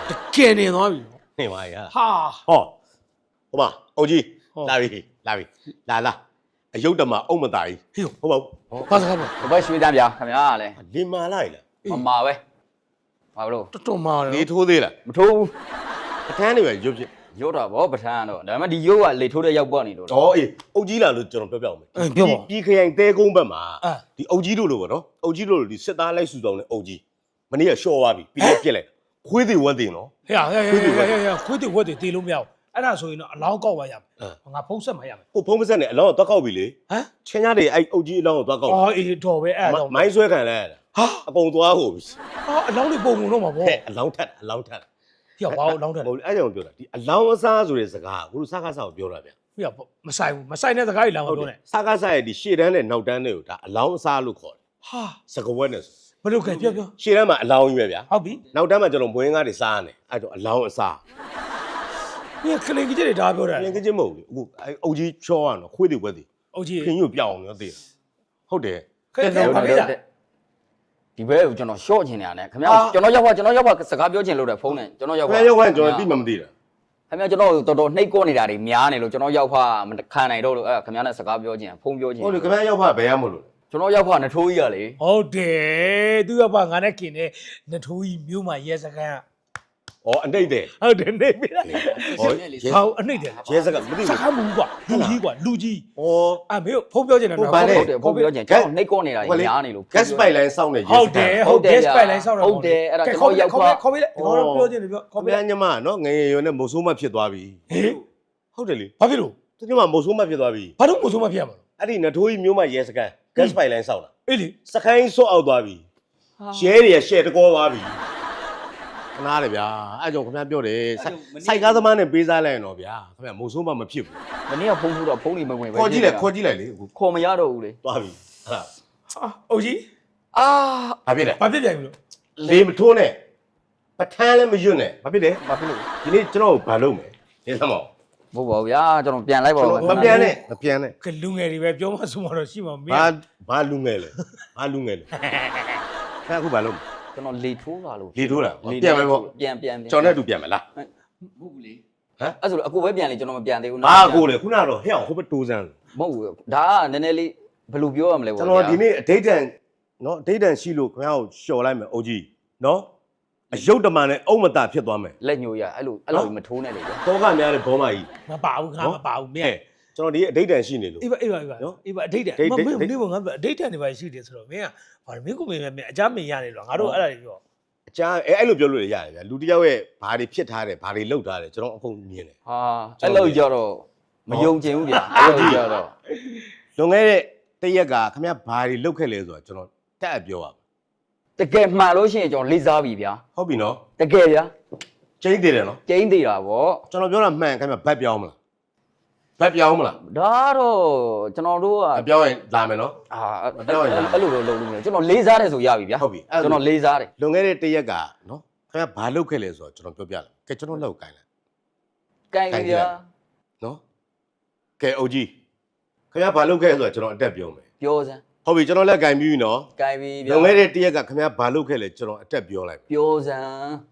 ကယ်နေသွားပြီနေပါရဟာဟောဟိုမအုတ်ကြီးလာပြီလာအယုတ်တမအုံမသားကြီးဟေးဟုတ်ပါဘာစကားလဲဘယ်ရွှေတန်းပြခင်ဗျာလဲလင်မာလိုက်လားမမာပဲဘာလို့တော်မာတယ်လေထိုးသေးလားမထိုးဘူးအထမ်းနေပဲရုပ်ဖြစ်ရုပ်တော့ဗောပထန်းတော့ဒါပေမဲ့ဒီရုပ်ကလေထိုးတဲ့ရောက်ပေါ့နေလို့ဟောအေးအုတ်ကြီးလာလို့ကျွန်တော်ပြောပြအောင်မယ်ပြောပါဒီခရိုင်တဲကုန်းဘက်မှာဒီအုတ်ကြီးတို့လို့ပေါ့နော်အုတ်ကြီးတို့လို့ဒီစစ်သားလိုက်စုဆောင်တဲ့အုတ်ကြီးမနေ့ကရှော့သွားပြီပြီးတော့ပြက်လိုက်ခွေးသေးဝက်သေးနော်ဟေးခွေးတွေဝက်တွေတေးလို့မရဘူးအဲ့ဒါဆိုရင်တော့အလောင်းကောက်ပါရမယ်ငါဖုံးဆက်မှရမယ်ဟိုဖုံးမဆက်နဲ့အလောင်းတော့ကောက်ပြီလေဟမ်ချင်းညာတွေအဲ့အုတ်ကြီးအလောင်းကိုသွားကောက်အော်အေးတော်ပဲအဲ့ဒါတော့မိုင်းဆွဲခံလဲဟာအကုန်သွားဟိုပြီအော်အလောင်းတွေပုံပုံတော့မှာဗောဟဲ့အလောင်းထက်အလောင်းထက်ဟေးဘာအလောင်းထက်မဟုတ်အဲ့ကြောင့်ပြောတာဒီအလောင်းအစားဆိုတဲ့စကားကိုစကားစားကိုပြောတာဗျဟေးမဆိုင်ဘူးမဆိုင်တဲ့စကားကြီးလာမပြောနဲ့စကားစားရဲ့ဒီရှေ့တန်းနဲ့နောက်တန်းတွေကိုဒါအလောင်းအစားလို့ခေါ်တယ်ဟာစကဝက်နဲ့ဘယ်လိုကဲပြောရှေ့တန်းမှာအလောင်းကြီးပဲဗျာဟုတ်ပြီနောက်တန်းမှာကျွန်တော်ဘွင်းကားတွေစားရတယ်အဲ့တော့အလောင်းအစားဒီကလင်ကြီးတွေဒါပြောတာပြင်ကချင်းမဟုတ်ဘူးအခုအဲ့အုတ်ကြီးချောရတော့ခွေးတွေဝက်တွေအုတ်ကြီးခင်ကြီးကိုပြောင်းအောင်သိတယ်ဟုတ်တယ်ခဲပါလေဒီဘဲကိုကျွန်တော်ရှော့ချင်နေရတယ်ခင်ဗျာကျွန်တော်ရောက်ပါစကားပြောချင်လို့တဲ့ဖုန်းနဲ့ကျွန်တော်ရောက်ခင်ပါဗျာရောက်ခွင့်ကျွန်တော်သိမှမသိတာခင်ဗျာကျွန်တော်တော်တော်နှိပ်ကောနေတာတွေများနေလို့ကျွန်တော်ရောက်ဖမခံနိုင်တော့လို့အဲ့ခင်ဗျာနဲ့စကားပြောချင်ဖုန်းပြောချင်ဟုတ်တယ်ခင်ဗျာရောက်ဖဘယ်ရမလို့ကျွန်တော်ရောက်ဖနထိုးကြီးရလေဟုတ်တယ်သူကပါငါနဲ့ခင်တဲ့နထိုးကြီးမျိုးမှာရဲစကန်ဩအနှိမ့်တယ်ဟုတ်တယ်နေပြီလားဟောဟောအနှိမ့်တယ်ရဲစကမသိစကားမူကွာလူကြီးကွာလူကြီးဩအမေဖုန်းပြောချင်တယ်ဟုတ်တယ်ဖုန်းပြောချင်ကျွန်တော်နှိပ်ကောနေတာတွေများနေလို့ gas pipeline စောင့်နေရဲဟုတ်တယ်ဟုတ်တယ် spy line ဆောက်တော့ဟုတ်တယ်အဲ့ဒါကျွန်တော်ရောက်ဖခေါ်ပေးလိုက်ဒီကောင်ပြောချင်တယ်ပြောခေါ်ခင်ပေးဗျာလိုက်ညမနော်ငယ်ရွယ်နဲ့မုတ်ဆိုးမဖြစ်သွားပြီဟေးဟုတ်တယ်လေဘာဖြစ်လို့သူကမုတ်ဆိုးမဖြစ်သွားပြီဘာလို့မို့ဆုံးမဖြစ်ရမှာအဲ့ဒီနထိုးကြီးမျိုးမရဲစကန် gas pipeline စောင့်တာအေးလေစခိုင်းဆော့အောက်သွားပြီရှဲတွေကရှဲတကောသွားပြီခနာတယ်ဗျာအဲ့ကြောင့်ခင်ဗျာပြောတယ်စိုက်ကားသမားနဲ့ပေးစားလိုက်ရင်တော့ဗျာခင်ဗျာမုတ်ဆိုးမမဖြစ်ဘူးမနေ့ကဖုန်းထိုးတော့ဖုန်းတွေမဝင်ပဲခေါ်ကြည့်လိုက်လေအခုခေါ်မရတော့ဘူးလေသွားပြီဟာအုတ်ကြီးအာဘာဖြစ်လဲဘာဖြစ်ပြန်ပြီလို့လေမထိုးနဲ့ပထမ်းလည်းမရွတ်နဲ့ဘာဖြစ်လဲဘာဖြစ်လို့ဒီနေ့ကျွန်တော်ကိုဘာလုပ်မလဲနေသမောဘို့ပါဗျာကျွန်တော်ပြန်လိုက်ပါဦးမပြန်နဲ့မပြန်နဲ့ကလူငယ်တွေပဲပြောမှဆိုမှတော့ရှိမှာမင်းဘာလူငယ်လဲဘာလူငယ်လဲအဲ့အခုဘာလုပ်ကျွန်တော်လေထိုးပါလို့လေထိုးတာပြန်မယ်ပေါ့ပြန်ကျွန်တော်နဲ့တူပြန်မယ်လားမဟုတ်ဘူးလေဟမ်အဲ့ဆိုအကိုပဲပြန်လေကျွန်တော်မပြန်သေးဘူးဘာကိုလဲခုနကတော့ဟဲ့အောင်ဟိုဘက်တိုးစမ်းမဟုတ်ဘူးဒါကနည်းနည်းလေးဘယ်လိုပြောရမလဲပေါ့ကျွန်တော်ဒီနေ့အဒိတ်တန်နော်အဒိတ်တန်ရှိလို့ခင်ဗျားကိုလျှော်လိုက်မယ်အိုကြီးနော်အယုတ်တမန်နဲ့အုံမတာဖြစ်သွားမယ်လက်ညိုရအဲ့လိုမထိုးနဲ့လေဗျာတောကများတဲ့ဘောမကြီးမပါဘူးငါမပါဘူးမင်းကျွန်တော်ဒီအဒိတ်တန်ရှိနေလို့အေးပါနော်အေးပါအဒိတ်တယ်မင်းနေကငါအဒိတ်တယ်နေပါရှိတယ်ဆိုတော့မင်းကဘာမင်းကိုမင်းအကြမ်းမင်းရတယ်လို့ငါတို့အဲ့ဒါတွေပြောအချားအဲ့လိုပြောလို့ရတယ်ဗျာလူတစ်ယောက်ရဲ့ဘာတွေဖြစ်ထားတယ်ဘာတွေလုပ်ထားတယ်ကျွန်တော်အကုန်မြင်တယ်ဟာအဲ့လိုကြတော့မယုံချင်ဘူးဗျာအဲ့လိုကြတော့လွန်ခဲ့တဲ့တရက်ကခင်ဗျားဘာတွေလုပ်ခဲ့လဲဆိုတော့ကျွန်တော်တက်အပ်ပြောပါမယ်တကယ်မှန်လို့ရှိရင်ကျွန်တော်လေးစားပြီဗျာဟုတ်ပြီနော်တကယ်ဗျာကျင်းသေးတယ်နော်ကျင်းသေးတာဗောကျွန်တော်ပြောတာမှန်ခင်ဗျာဘတ်ပြောင်းမလားဘတ်ပြောင်းမလားဒါတော့ကျွန်တော်တို့ကမပြောင်းရင်လာမယ်နော်အာအဲ့လိုလုပ်လို့မရကျွန်တော်လေးစားတယ်ဆိုရပြီဗျာဟုတ်ပြီကျွန်တော်လေးစားတယ်လွန်ခဲ့တဲ့တရက်ကနော်ခင်ဗျားဘာလုပ်ခဲ့လဲဆိုတော့ကျွန်တော်ပြောပြလိုက်ကဲကျွန်တော်လောက်ကိုင်းလိုက်ကိုင်ပြီဗျာနော်ကဲအုတ်ကြီးခင်ဗျားဘာလုပ်ခဲ့လဲဆိုတော့ကျွန်တော်အတက်ပြောမယ်ပြောစမ်းဟုတ်ပြီကျွန်တော်လက်ကိုင်းပြီးပြီနော်ကိုင်ပြီဗျာလွန်ခဲ့တဲ့တရက်ကခင်ဗျားဘာလုပ်ခဲ့လဲကျွန်တော်အတက်ပြောလိုက်ပြောစမ်း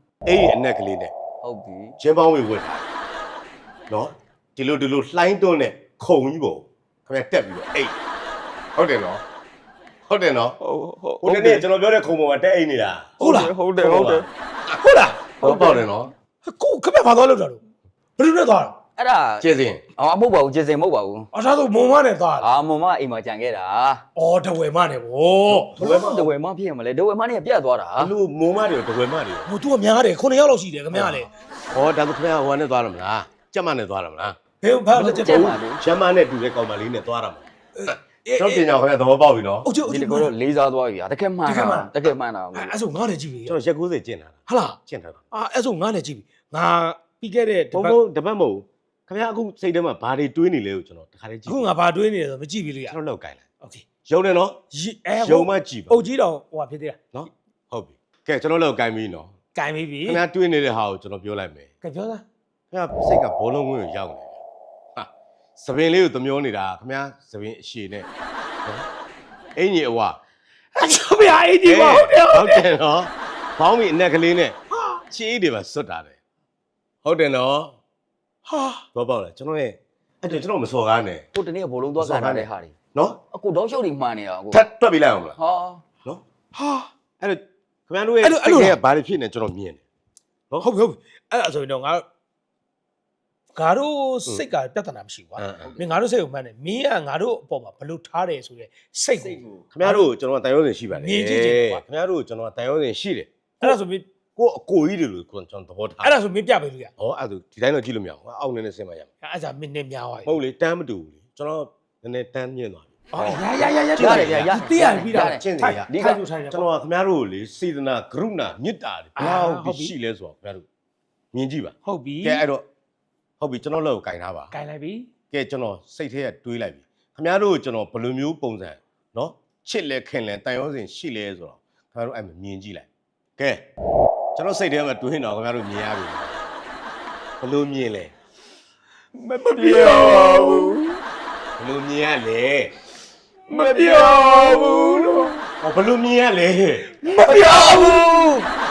အဲ့ဒီအနက်ကလေးနဲ့ဟုတ်ပြီချင်းပေါင်းဝေဝတ်ထားနော်ဒီလိုလှိုင်းတွန်းနဲ့ခုံကြီးပေါ့ခင်ဗျားတက်ပြီးတော့အိတ်ဟုတ်တယ်နော်ဟုတ်တယ်နော်ဟိုနေ့ကျွန်တော်ပြောတဲ့ခုံပေါ်မှာတက်အိတ်နေတာဟုတ်လားဟုတ်တယ်ဟုတ်လားဟုတ်ပေါ့တယ်နော်ကိုခမဘာသွားလို့တာလို့ဘယ်လိုနဲ့သွားတာအဲ့ဒါကျေးဇူးအမဟုတ်ပါဘူးကျေစင်မဟုတ်ပါဘူးအထားဆိုမုံမနဲ့သွားတာအာမမအိမ်မှာကြံခဲ့တာအော်တဝယ်မနဲ့ဗောတဝယ်မဖြစ်ရမလဲတဝယ်မနဲ့ပြတ်သွားတာလူမိုးမတွေတဝဲမတွေဟို तू ကများတယ်9ယောက်လောက်ရှိတယ်ခမရလေဟောဒါဆိုခင်ဗျားဟိုကနေသွားရမလားကြက်မနဲ့သွားရမလားဘယ်ဘာလက်ချက်ကျဲတော့ပါဘူးချမ်းမနဲ့တူတဲ့ကောင်မလေးနဲ့သွားရမှာကျွန်တော်ပြင်ကြခင်ဗျာသဘောပေါက်ပြီနော်အုတ်ကျုပ်ဒီတကောတော့လေးစားသွားပြီဗျာတကယ်မှန်တာတကယ်မှန်တာအဲ့ဆိုငါနဲ့ကြည့်ပြီကျွန်တော်ရက်90ကျင့်တာဟာလားကျင့်ထားတာအဲ့ဆိုငါနဲ့ကြည့်ပြီငါပြီးခဲ့တဲ့ဘုံတပတ်မဟုတ်ခင်ဗျားအခုစိတ်ထဲမှာဘာတွေတွေးနေလဲကိုကျွန်တော်တခါလေးကြည့်အခုငါဘာတွေးနေလဲဆိုမကြည့်ပြီလို့ရကျွန်တော်လောက်ကိုင်းလိုက်โอเคရုံနေနော် ရုံမကြည့်ပါအုတ်ကြီးတော်ဟိုဟာဖြစ်သေးတာနော်ဟုတ်ပြီကဲကျွန်တော်လောက်ကိုင်းပြီနော်ကင်ပြီပြီခင်ဗျားတွေးနေတဲ့ဟာကိုကျွန်တော်ပြောလိုက်မယ်ကဲပြောသားခင်ဗျားစိတ်ကဘောလုံးဝင်းကိုရောက်နေတယ်ဟာသပင်လေးကိုသမျောနေတာခင်ဗျားသပင်အရှည်နဲ့အင်ကြီးအဝအချမရအေးဒီပါဟုတ်တယ်ဟုတ်တယ်နော်ဘောင်းမီအနက်ကလေးနဲ့ချေးတွေပါစွတ်တာတယ်ဟုတ်တယ်နော်ဟာတော့ပေါ့လေကျွန်တော်ရဲ့အဲ့တော့ကျွန်တော်မစော်ကားနဲ့ကိုတနေ့ကဘိုးလုံးသွားကန်ထားတဲ့ဟာတွေနော်အခုတော့ရှုပ်တွေမှန်နေတာကိုထပ်တွက်ပြလိုက်အောင်မလားဟာနော်ဟာအဲ့တော့ခင်ဗျားတို့ရဲ့စိတ်ထဲကဘာတွေဖြစ်နေကျွန်တော်မြင်တယ်ဟုတ်ပြီအဲ့ဒါဆိုရင်တော့ငါတို့စိတ်ကပြဿနာမရှိဘူးကွာမင်းငါတို့စိတ်ကိုမှန်းတယ်မင်းကငါတို့အပေါ်မှာဘလို့ထားတယ်ဆိုရဲစိတ်ကိုခင်ဗျားတို့ကျွန်တော်တန်ရုံးစင်ရှိပါတယ်မြင်ကြည့်ချင်တယ်ကွာခင်ဗျားတို့ကျွန်တော်တန်ရုံးစင်ရှိတယ်အဲ့ဒါဆိုမင်းကိုအကိုကြီးတွေလို့ကျွန်တော်သဘောထားအဲ့ဒါဆိုမင်းပြပေးလို့ရဟောအဲ့ဒါဒီတိုင်းတော့ကြည့်လို့မရဘူးအောက်နေနေဆင်းမရမှာအဲ့ဒါမင်းနဲ့များသွားပြီမဟုတ်လေတန်းမတူဘူးလေကျွန်တော်နည်းနည်းတန်းမြင့်သွားပြီအော်ရတိရပြီးတာကျင့်တယ်ရဒီကထိုင်တယ်ကျွန်တော်ခင်ဗျားတို့လေစေတနာကရုဏာမေတ္တာတွေဘယ်လောက်ရှိလဲဆိုတော့ခင်ဗျားတို့မြင်ကြည့်ပါဟုတ်ပြီကဲအဲ့တော့ဟုတ်ပြီကျွန်တော်လက်ကိုကင်ထားပါကင်လိုက်ပြီကဲကျွန်တော်စိတ်ထဲကတွေးလိုက်ပြီခင်ဗျားတို့ကျွန်တော်ဘယ်လိုမျိုးပုံစံနော်ချစ်လဲခင်လဲတန်ရုံးစင်ရှိလဲဆိုတော့ခင်ဗျားတို့အဲ့မှာမြင်ကြည့်လိုက်ကဲကျွန်တော်စိတ်ထဲမှာတွေးနေတော့ခင်ဗျားတို့မြင်ရပြီဘယ်လိုမြင်လဲမပြောဘူးဘယ်လိုမြင်ရလဲမပြောဘူးလို့ဟောဘယ်လိုမြင်ရလဲမပြောဘူး